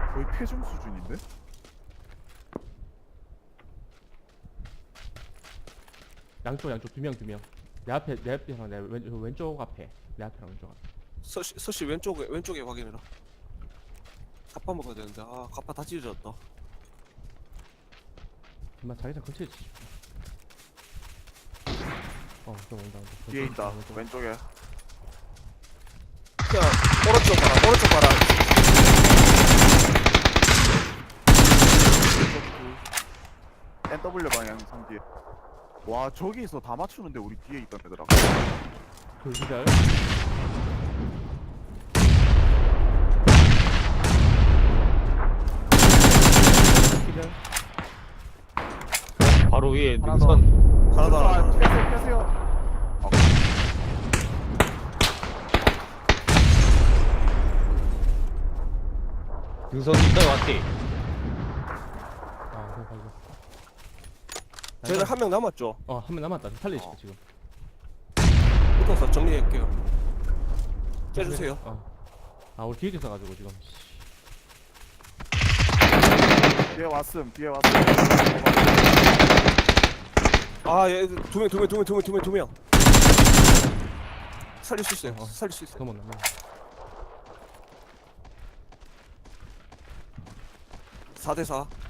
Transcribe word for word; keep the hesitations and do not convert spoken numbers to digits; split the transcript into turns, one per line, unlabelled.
거의 패중 수준인데?
양쪽 양쪽 두 명 두 명. 내 앞에 내 앞에랑 내 왼, 왼쪽 앞에 내 앞에랑 왼쪽 앞에.
서시 서시 왼쪽에 왼쪽에 확인해라. 갑파 먹어야 되는데 아 갑파 다 찢어졌다.
엄마 자기장 근처에 지. 어, 좀 온다 온다.
뒤에 있다.
왼쪽.
왼쪽에.
그냥 오른쪽 봐라 오른쪽 봐라.
엔더블유 방향 상 뒤에. 와 저기서 다 맞추는데 우리 뒤에 있던 애들하고.
그 기절. 기절.
바로 위에
하나
능선.
하나 더 하나
아,
더.
펴세요 펴세요. 어,
능선 있다 왔지.
아, 그래 가지고.
쟤들 한 명 남았죠.
어, 한 명 남았다. 살리시고
어.
지금.
붙어서 정리할게요. 째주세요.
어. 아, 우리 뒤에 있어가지고 지금.
뒤에 왔음 뒤에 왔음.
아얘두명두 명 두 명 두 명 두 명 두 명. 살릴 수 있어요.
어.
살릴 수 있어요.
넘었나? 넘어.
사 대 사.